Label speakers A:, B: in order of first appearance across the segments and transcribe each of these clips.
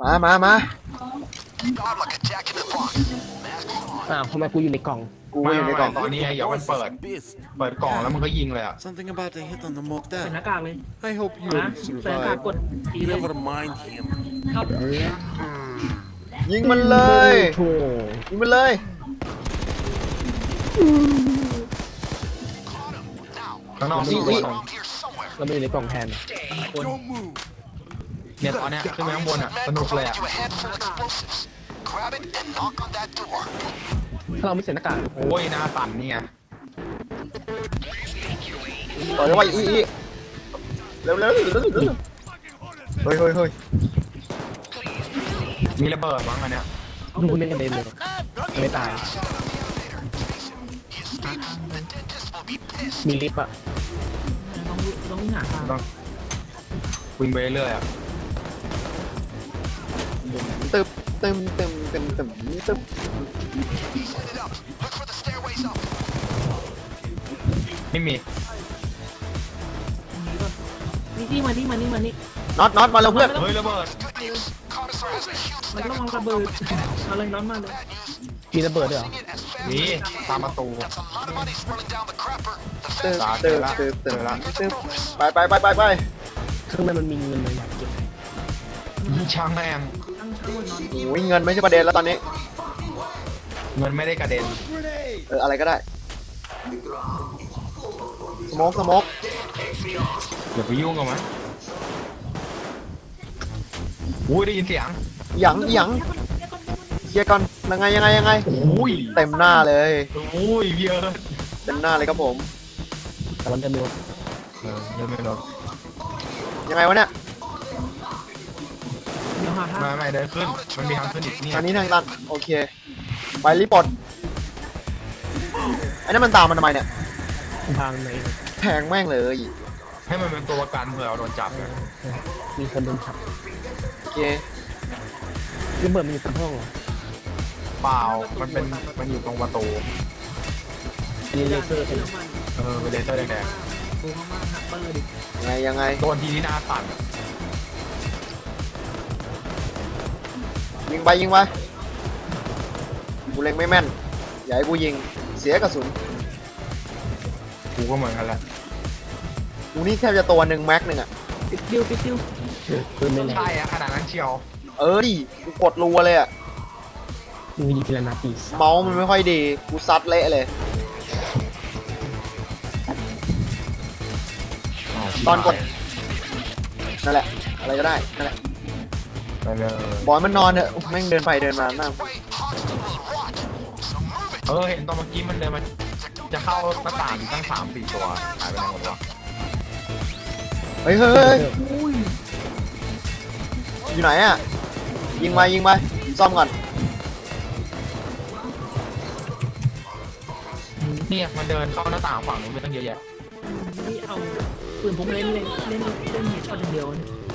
A: มา
B: ทำไมกูอยู่ในกล่อง
A: กู
C: ไม่
A: อยู่ในกล่อง
C: ตอนนี้ไงเดี๋ยวมันเปิดกล่องแล้วมันก็ยิงเลยอ่ะ
D: Something about the hit on the
E: ใส่หน้า
D: Mogdad.
E: กากเลย
D: I hope you
E: นะใส่หน้ากากก
D: survive.
E: ดทีเลย
D: Never mind him.
E: ครับ
A: ยิงมันเลย
B: โธ่
A: ยิงมันเลย
C: ข้างนอก
A: นี่
C: นี่
B: เราไม่อยู่ในกล่องแทน
C: เนี่ยตอนเนี้ยขึ้นไปข้างบนอ่ะสนุกเลยอ่ะ
B: ถ้าเราไม่ใส่หน้ากาก
C: โอ้ยหน้าสั่นนี่ไง
A: ต่อยไว้อีเร็วเฮ้ย
C: มีระเบิดมั้งอันเนี้ย
B: ดูเล่นกันเด่นเลยไม่ตาย มีลิฟต์อ่ะ
E: ต้องหาทาง
C: ต้องวิ่งไปเรื่อยๆอ่ะ
A: ตึบ
C: ไม่มี
E: นี่มานี่
A: น็อตมาแล้วเพื่อน
C: เฮ้ยระเบิด
E: มันต้องระเบิดมาเลยร้อนมาเลย
B: มีระเบิดด้วยเหรอ
C: มีตามประตู
A: ตึบไป
B: ข้างในมันมีเงินเลยอยากเก็บ
C: ช่างแม่ง
E: ตั้งช่างนอน
A: โอ้ยเงินไม่ใช่ประเด็นแล้วตอนนี้
C: เงินไม่ได้กระเด็น
A: อะไรก็ได้สโมก
C: อย่าไปยุ่งกับมันอุ้ยได้ยินเสียง
A: หยังเคลียร์ก่อนยังไง
C: อุ้ย
A: เต็มหน้าเลย
C: อุ้ยเยอะ
A: เต็มหน้าเลยครับผม
B: แต่มันจะมี
C: เดินไม่รถ
A: ยังไงวะเนี่ย
E: เดี๋ยวหาทาง
C: ไม่เดินขึ้นมันมีทางขึ้นอีกเนี่ย
A: ทางนี้ทางตันโอเคไปรีบอดไอ้นั่นมันตามมันทำไมเนี่ย
B: ทางไหน
A: แทงแม่งเลย
C: ให้มันเป็นตัวประกันเผื่อเราโดนจับไง
B: มีคนโดนขับ
A: โอเค
B: ระเบิดมันอยู่ตรงห้องเหรอ
C: เปล่ามันอยู่ตรงประตู
B: มีเลเซอร์ใช่ไหม
C: เป็นเลเซอร์แดง
E: ดูข้างล่างหักเปิดดิ
A: ยังไง
C: ๆโดนทีที่หน้าสั่น
A: ยิงไปกูเล็งไม่แม่นอย่าให้กูยิงเสียกระสุน
C: กูก็เหมือนกันแหละ
A: กูนี่แทบจะตัวหนึ่งแม็กหนึ่งอ่ะ
E: ปิดดิว
B: ปืนไม่แรง
C: ใช่อะขนาดนั้นเชียว
A: ดิกูกดรัวเลยอ่ะ
B: มึงยิงทีละนัดตี
A: เมาส์มันไม่ค่อยดีกูซัดเละเลย ตอนกดนั่นแหละอะไรก็ได้นั่นแหละ
C: ไปเลย
A: บอยมันนอนเถอะแม่งเดินไปเดินมานั่ง
C: เห็นตอนเมื่อกี้มันเดินมาจะเข้าหน้าต่างตั้ง3-4 ตัวหายไปไหนหมดวะ
A: เฮ้ยอยู่ไหนอ่ะยิงไปซ่อมก่อน
C: เนี่ยมันเดินเข้าหน้าต่างฝั่งนู้นไปตั้งเยอะแยะ
E: นี่เอาปืนผมเล่นเฮดช็อตเดียว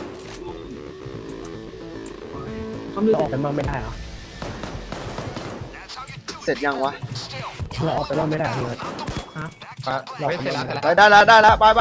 E: เขาดู
B: เราออกไปบ้างไม่ได้เหรอ
A: เสร็จยังวะ
B: เราออกไปบ้างไม่ได้เลย
C: ไม่เสร็จแล้ว
A: ได้แล้วไป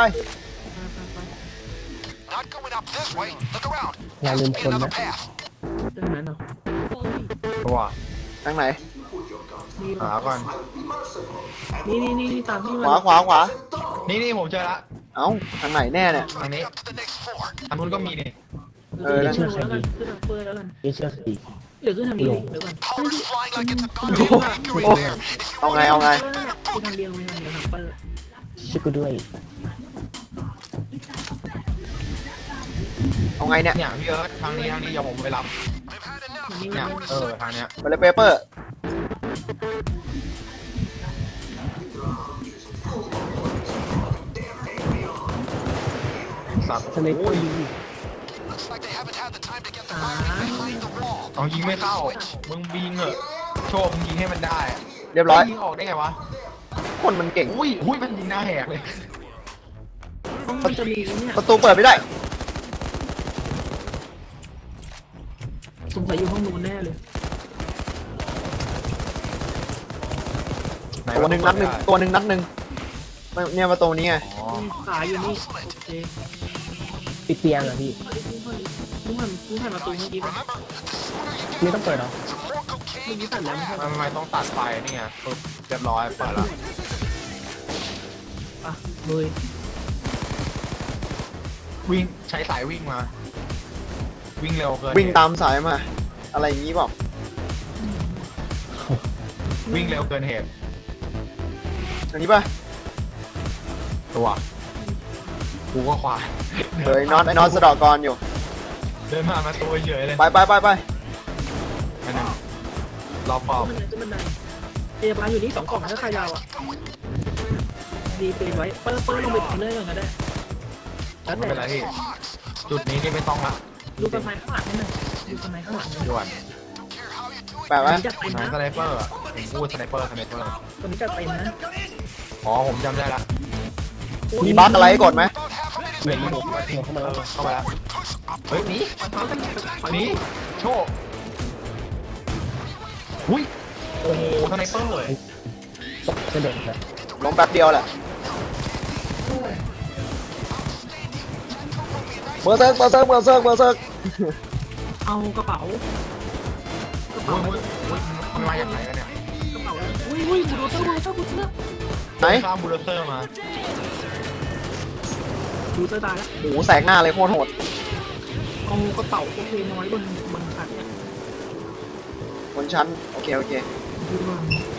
B: อย่าลืมคนนะ
E: เรื่องนั้นเหรอ
C: ตัว
A: ทางไหน
C: หาก่อน
E: นี่ตามที่
A: ขวา
C: นี่ผมเจอละ
A: เอ้าทางไหนแน่เนี่ย
C: ทางนี้ทางนู้นก็มีนี่
E: ขึ้นทางเปิดแล้วกัน
B: นี่เชื่อสิ
E: เดี๋ยวขึ้นทางนี้เดี๋ยวก่อน
A: โอ้เอาไง
E: ขึ้นทางเดียวทางเปิด
B: ช่วยกูด้วย
A: เอาไงเนี่ย
C: เนี่ยพี่เอิร์ธทางนี้อย่าผมไปรับ
E: นี่
C: เนี่ยทางเนี้ย
A: ไปเลยเปเปอร์
C: สัตว์
B: สไนเปอร์ยิง
C: เอายิงไม่เข้ามึงยิงเหอะโชว์มึงยิงให้มันได้
A: เรียบร้อย
C: ยิงออกได้ไงวะ
A: คนมันเก่ง
C: อุ้ยมันยิงหน้าแหกเลย
E: มันจะมีเนี่ย
A: ประตูเปิดไม่ได้
E: สงสัยอยู่ห้องนู้นแน่เลย
A: ตัวหนึ่งนัดหนึ่งเนี่ยประตูนี้ไง
C: อ๋อ
E: ขาอยู่นี่โอเค
B: ปิดเตียงอ่ะพี่
E: มึงผ่านประตูเมื่อกี้ป่ะ
B: นี่ต้องเปิดเหรอ
E: เมื่อกี้ตัดแล้วไม่ใช่
C: มันไม่ต้องตัดไฟนี่ไงปึ๊บเรียบร้อยเปิดแล้ว
E: อ่ะเลย
C: วิ่งใช้สายวิ่งมา วิ่งเร็วเกิน
A: วิ่งตามสายมา อะไรอย่างงี้เปล่า
C: วิ่งเร็วเกินเหตุ
A: อันนี้ป่ะ
C: ตัวกูก็ควาย
A: เฮ้ยน็อตไอ้น็อตสะเดอกกรอยู่
C: เดินมาตัวเฉยเลย
A: ไป
C: อันนึงรอปอบ
E: มันได้พยาบาลอยู่นี่2 กล่องถ้าใครยาวอ่ะดีเปไว้เปิ้ลลงไปถึงเลยก่อนก็ได้แล้ว
C: ไม่
E: แต่
C: เป็นไรพี่จุดนี้นี่ไม่ต้องละ
E: ดูกระไฟข้างหลังนี่หน่อยดูกระไฟข้างหลัง
C: ด่วน
A: แปะไว้
E: จะเต็ม
C: ไหน
E: นะ
C: สไนเปอร์อะผมพูดสไนเปอร์
E: ตัวนี้จะเต็มนะ
C: อ๋อผมจำได้ละ
A: มีบั๊กอะไรให้กดไหม
B: เหมือนมันหัวเข้ามาแล้ว
C: เข้าไปแล้วเฮ้ยหนี โชคอุ้ย โอ้โหสไนเปอร์เลย
B: ตกกระเด็นเลย
A: ลงแป๊บเดียวแหละเบอร์เซิร์ก
E: เอากระเป๋า
C: อุ้ยมันมาจากไหนกันเนี่ย
E: กระเป๋าอุ้ยบูโดเตอร์
A: ไหน
C: ข้ามบูลเตอร์มา
E: บูโดเตอร์ตายแล้ว
A: โอ้โหแสกหน้าเลยโคตรโหด
E: เอากระเป๋าโอเคน้อยบนขัดเนี่ย
A: บนชั้น โอเค
E: ดูว่า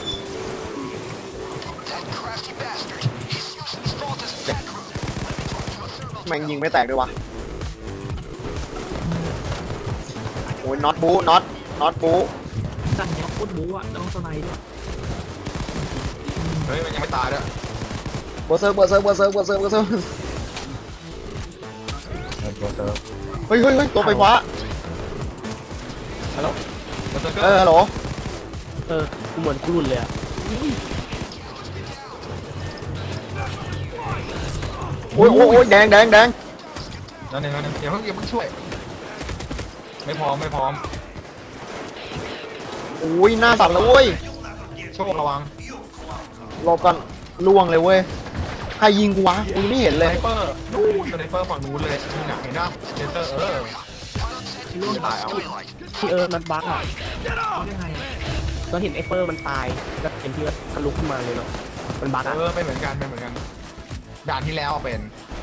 A: แม่งยิงไม่แตกด้วยวะโอ้ยน็อตบูน็อตบู
E: สั่นเนี่ยโคตรบู๊อ่ะต้องสไนด์ด้วย
C: เฮ้ยมันยังไม่ตายด้วย
A: เบอร์เซิร์ก
C: บูลเตอร์
A: เฮ้ยตัวไฟฟ้า
C: ฮัลโหลบูลเตอร์
A: ฮัลโหล
B: กูเหมือนกูหลุดเลยอ่ะ
A: โอ้ยแดง
C: นั่นเองอย่าเพิ่งช่วย ไม่พร้อม
A: โอ้ยหน้าสั่นเลยเว้ย
C: โชคระวัง
A: หลบกันล่วงเลยเว้ย ใครยิงกูวะกูไม่เห็น
C: ส
A: เล
C: ไน
A: ย
C: เปอร์นู่นสไนเปอร์ฝั่งนู้นเลยนี่หนักเห็นป่ะเซนเตอร์ร่วงตายเอา
B: ที่มันบั๊กอ่ะ
E: เอาได้ไงอ่ะ
B: เราเห็นไอ้เปอร์มันตายแล้วเห็นที่ทะลุขึ้นมาเลยเนาะมันบั๊กอ่ะ
C: ไม่เหมือนกันด่านที่แล้วเป็น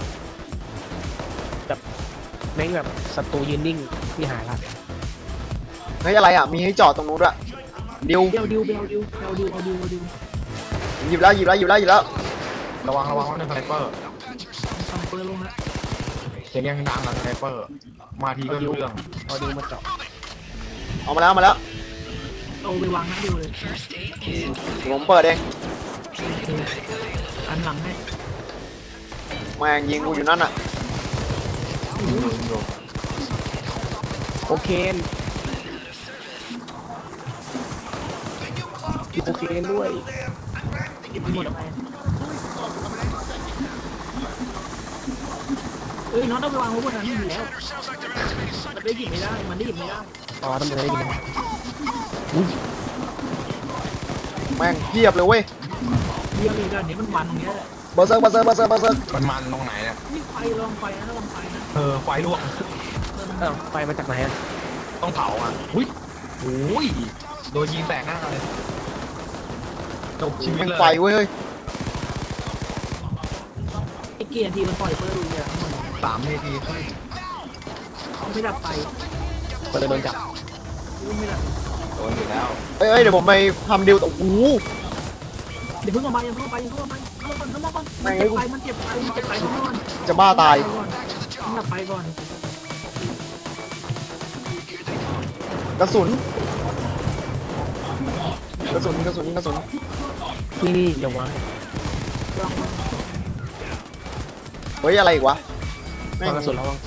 B: แม่งแบบศัตรูยืนนิ่งที่หายละ
A: เฮ้ยอะไรอ่ะ มีให้จอดตรงนู้นด้วยดิว
E: เดี๋ยวดิว
A: หยิบแล้ว
C: ระวังว่าเป็นสไนเปอร์
E: ทำเปิดลงแล้ว
C: เสียงยังดังอะสไนเปอร์มาทีก็รู้เรื่อง
B: เอาดูมาเจาะ
A: เอามาแล้ว
E: เอาไปวางหน้าดิวเลย
A: ผมเปิดเอง
E: อันหลังให้
A: แม่งยิงกูอยู่นั่นอ่ะ
B: โอเคนโอเคนด้วย
E: หมดไปน้องต้องไปวางไว้บนนั้นอยู่แล้วมันได้หยิบไม่ได้
B: อ๋อทำไมได้ยิน
A: แม่งเพียบเลยเว้ย
E: เยี่ยมเลยกันเดี๋ยวมันวันตรงนี้แหละ
A: เบอร์เซิร์ก
C: มันตรงไหนเนี่ย
E: นี่ไฟลองไฟนะลองไฟนะ
C: ไฟลวก
B: ไฟมาจากไหนอ่ะ
C: ต้องเผาอ่ะอุ้ยโดนยิงแตกหน้าเลยจบชีวิต
A: แม่ง
C: เลย
A: ไฟเว้ยเฮ้ย
E: ไอ้เกียร์ทีมันปล่อยเปิดดูเนี่ยทั้งหมด
C: 3 นาที
E: เขาไม่ดับไฟ
B: ก็เลยโดนจับ
E: ไม่ดับ
C: โดนอยู่แล้ว
A: เอ้ยเดี๋ยวผมไปทำดิวโอ้โห
E: เดี๋ยวเพิ่งออกมาเข้ามาก่อนมันเจ็บไฟเข้ามาก่อน
A: จะบ้าตาย
E: มันดับไฟก่อน
A: กระสุน
B: นี่เดี๋ยววาง
E: ลอง
A: เฮ้ยอะไรอีกวะแม่ง
B: วางกระสุนแล้ววาง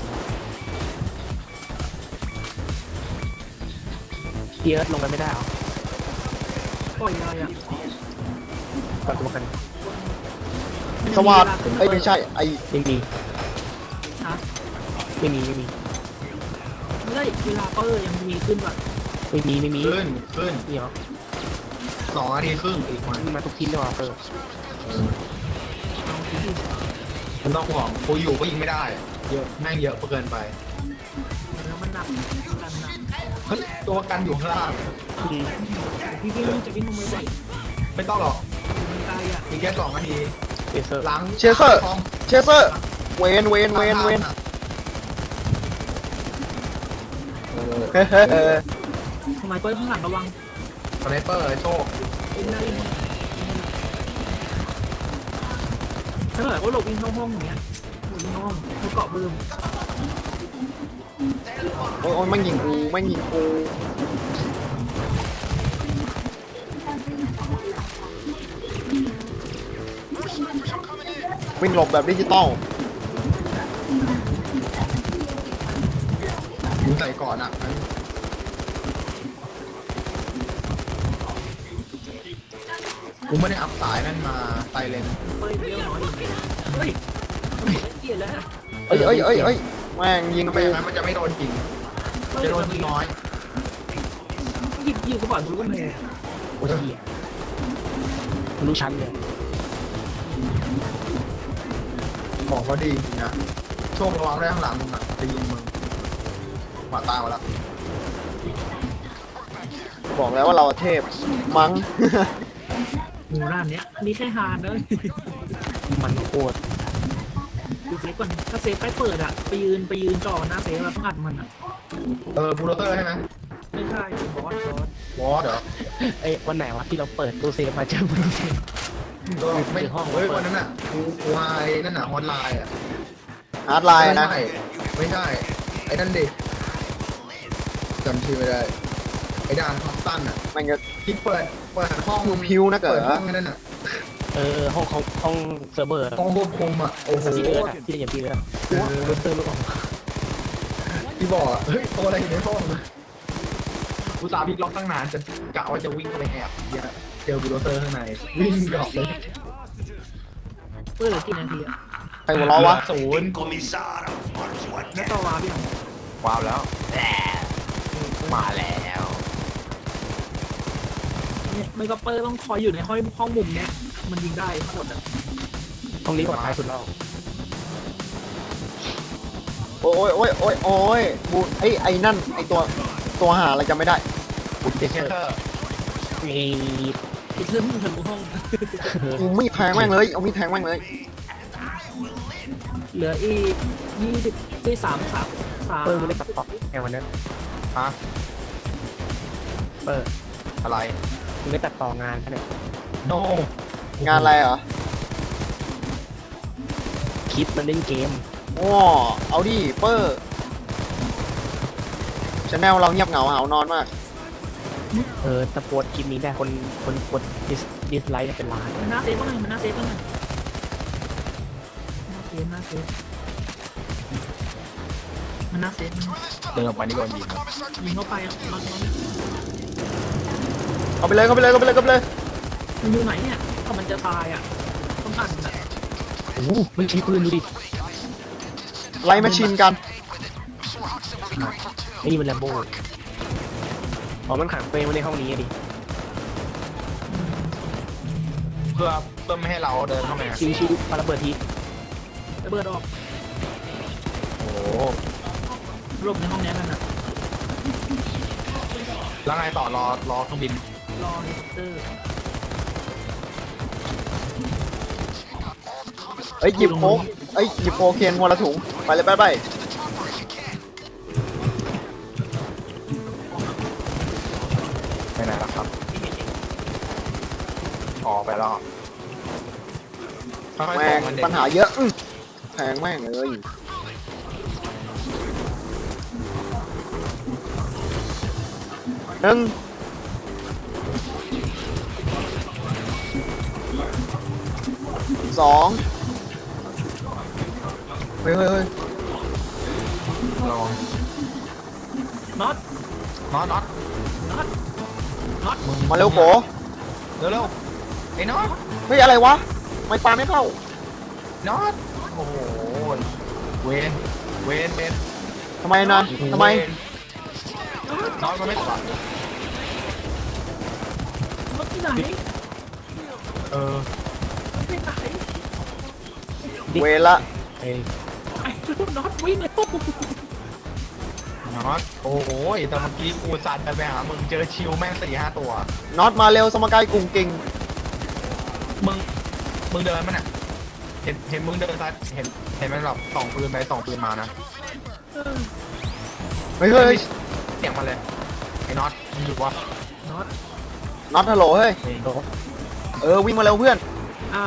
B: เอิร์ธลงไปไม่ได้เหรอ
E: ปล่อยอะไรอ่ะ
B: ตัดตัวกัน
A: สวัสดเอ้ยไม่ใช่ไอ้
B: ไม่มี
E: ฮะ
B: ไม่มี
E: ไม่ได้เวลาเปิดยังมีขึ้นแบบ
B: ขึ้น
C: ขึ้น
B: นี่เหรอ
C: 2 นาทีครึ่งอีก
B: มันมาทุกทีเลยว่ะเปิด
C: มันต้องห่วงกูอยู่ก็ยิงไม่ได้เยอะแม่งเยอะเกินไป
E: แล้วมันนกันนะ
C: เฮ้ยตัวกันอยู่ข้างล่าง
E: พี่วิ่งจะวิ่งลงไปบ่อย
C: ไม่ต้องหรอก
E: มันไกลอ่ะ
C: มีแค่2 นาที
B: เอเซอร์
C: ล้าง
A: เชเซอร์
C: ท้อง
A: เชเซอร์เวนเฮ้ย
E: ทำไมเปิ้ลข้างหลังระวัง
C: สไนเปอร์โชค
E: เอ็นได้เลยถ้าเกิดว่าหลบวิ่งเข้าห้องอย่างเงี้ยหลบวิ่งเข้าห้องเขาเกาะเบิ่ม
A: โอ้ยแม่งยิงกูแม่งยิงกูวิ่งหลบแบบดิจิตอล
C: อยู่ใส่ก่อนอ่ะกูไม่ได้อัพสายนั่นมาไซเลน
E: เปิ้ลเลี้ยวน้อยอย่างเงี้ยเฮ้ยเกลียดแล้ว
A: เอ้ยแม่งยิง
C: ทำไม
A: กู
C: อย่างนั้นมันจะไม่โดนจริงจะโดนทีน้อย
E: ยิงกระบอกทุกคนเลย
B: โอ้ยเหี้ยรู้ชั้นเลย
C: บอกว่าดีจริงนะโชคระวังได้ข้างหลังมึงอ่ะจะยิงมึงหมาตายมาแล้ว
A: บอกแล้วว่าเราเทพมั้ง
E: หมู่ร้านเนี้ยนี่แค่ฮาร์ดเลย
B: มันโคตร
E: ดูเซฟก่อนถ้าเซฟใกล้เปิดอ่ะไปยืนจ่อหน้าเซฟแล้วต้องอัดมันอ่ะ
C: บูลโดเตอร์ใช่ไหม
E: ไม่ใช่บอส
C: วอสเหรอ
B: เอ้ยวันไหนวะที่เราเปิดตู้เซฟมาเจอมันเซฟ
C: ก็ไม่เฮ้ยวันนั้นน่ะกูไอ้นั่นน่ะฮอตไลน์อ่ะ
A: ฮาร์ดไลน์นะ
C: ไม่ใช่ไอ้นั่นดิจำชื่อไม่ได้ไอ้ด่านท็อปตันอ่ะ
A: แม่งจะ
C: ที่เปิดห้อง
A: พิวนะเกิ
C: เปิ
A: ด
C: ดห้องนั่นน่ะ
B: ห้องเซิร์ฟเวอร์
C: ห้องควบคุมอ่ะโอ้โห
B: ที่เอิร์ดที่อย่างพี่เอิร์ดรู้เตอร์รู้ออก
C: ที่บอกอะเฮ้ยตัวอะไรอยู่ในห้องกูสาพลิกล็อกตั้งนานจะกะว่าจะวิ่งไปแอบเนี่ยเจอบูลโดเตอร์ข้างในวิ่งกลับเลย
E: เปิดเหลือกี่นาทีอ่ะ
A: ใครหัวเราะวะ
C: ศูนย์
E: แล้วต่อวาร์ปยัง
C: ว้าวแล้วมาแล้ว
E: เนี่ยไม่ก็เปิดต้องคอยอยู่ในห้องมุมเนี้ยมันยิงได้ทั้งหมดอ่ะ
B: ห้องนี้ปลอดภัยสุดแล้ว
A: โอ้ยบูไอ้นั่นไอ้ตัวหาอะไรจำไม่ได้
C: เดชเชอร์
B: มี
E: อีกเรื่องมึงทะลุห้อง
A: กูมีดแทงแม่งเลยเอามีดแทงแม่งเลย
E: เหลืออีก20ที่สาม
B: เปิดมันได้ตัดต่อไงวันนั้น
C: ฮะ
B: เปิด
C: อะไร
B: มันได้ตัดต่องานแค่เนี่ย
C: โน
A: งานอะไรเหรอ
B: คิดมันเล่นเกม
A: อ๋อเอาดิเปอร์ชแนลเราเงียบเหงาหาวนอนมาก
B: ตะโพดคลิปนี้ได้คนกดดิสไลค์เป็นล้าน
E: มันน่าเซฟบ้างไงมันน่าเซฟบ้างไงน่าเซฟมันน่าเซฟ
C: เดินออกไปนี่ก่อนยิง
E: ยิงเข้าไปอ่ะมัน
A: เอาไปเลยมัน
E: อยู่ไหนเนี่ยถ้ามันจะตายอ่ะต้องอัดอ่ะ
B: โอ้โหไม่ใช่ปืนดูดิ
A: ไล่แมชชีนกัน
B: ไอ้นี่มันแลมโบ้อ๋อมันขังตัวเองไว้ในห้องนี้อะดิ
C: เพื่อไม่ให้เราเดินเข้ามา
B: ชิวๆปาระเบิดที
E: ระเบิดออก
C: โอ้
E: หลบในห้องนี้กันอ่ะ
C: แล้วไงต่อรอเครื่องบิน
E: รอเฮลิคอปเตอร์
A: เอ้ยหยิบโค้กหยิบโคเคนวันละถุงไปเลยไป
C: ไปไหนล่ะครับออกไปแล้วค่อยๆ
A: แม่
C: ส่
A: ง
C: งมันเด็ก
A: ปัญหาเยอะแทงแม่งเลยหนึ่งสองเฮ้ย
C: ลอง
E: น็อต
C: น็อต
A: มาเร็วโก
C: เร็วไอ้น็อต
A: เฮ้ยอะไรวะไม่ปาไม่เข้า
C: น็อตโอ้โหเวน
A: ทำไมนะทำไม
C: น็อตมันไม่ตัด
E: น็อตที่ไหน
C: เออ
E: ที่ไหน
A: เวรละ
B: ไอ้
E: ไอ้น็อตวิ่งเลย
C: น็อตโอ้โหแต่เมื่อกี้กูสัตว์ไปหามึงเจอชิวแม่ง4-5 ตัว
A: น็อตมาเร็วสมการกรุงเก่ง
C: มึงเดินมันอ่ะเห็นมึงเดินซัดเห็นมันแบบส่องปืนไปส่องปืนมานะ
A: เฮ้ยเฮ้ย
C: เสียงมาเลยไอ้น็อตมึงอยู่วะ
E: น็อต
A: น็อตฮัลโหลเฮ้ยวิ่งมาเร็วเพื่อน
E: อ้าว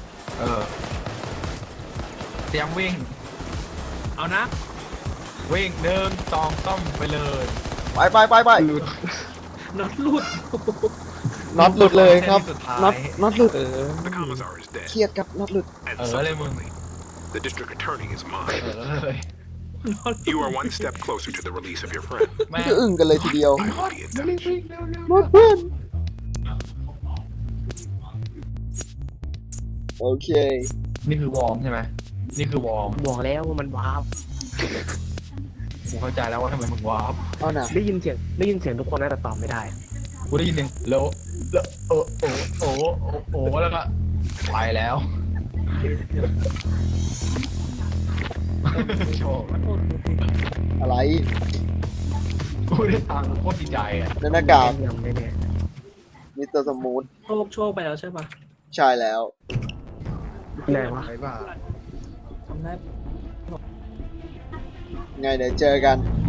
C: เตรียมวิ่ง
E: เอานะ
C: วิ่ง1 2 3ไปเลย
A: ไป
E: น็อตรูด
A: น็อตหลุดเลยครับ
C: สุดท้าย
A: น็อตหลุด
D: The commissar is dead.
A: เครียดครับน็อตหลุด
D: And
C: let him-
D: subsequently, the district attorney is mine.
C: เลย
E: น็อต
D: You are one step closer to the release of your friend.
C: แม่ง
A: คืออึ้งกันเลยทีเดียว
D: I will be in touch.
A: น็อตเพื่อนโอเค
C: นี่คือวอร์มใช่ไหมนี่คือวอร์ม
B: บอกแล้วว่ามันว้าว
C: กูเข้าใจแล้วว่าทำไมมึงวาร์ป
A: เอาหน่ะ
B: ได้ยินเสียงทุกคนนะแต่ตอบไม่ได้
C: กูได้ยินหนึ่งแล้วแล้วก็ไปแล้วโชว์
A: อะไร
C: กูได้ตังค์โคตรดีใจอ่ะ
A: ในหน้ากาก
B: ยังไม่แน่
A: มิสเตอร์สมูท
E: โชคไปแล้วใช่ปะ
A: ใช่แล้ว
B: ไหนวะ
C: ไปบ้า
E: ทำได้
A: ไงเดี๋ยวเจอกัน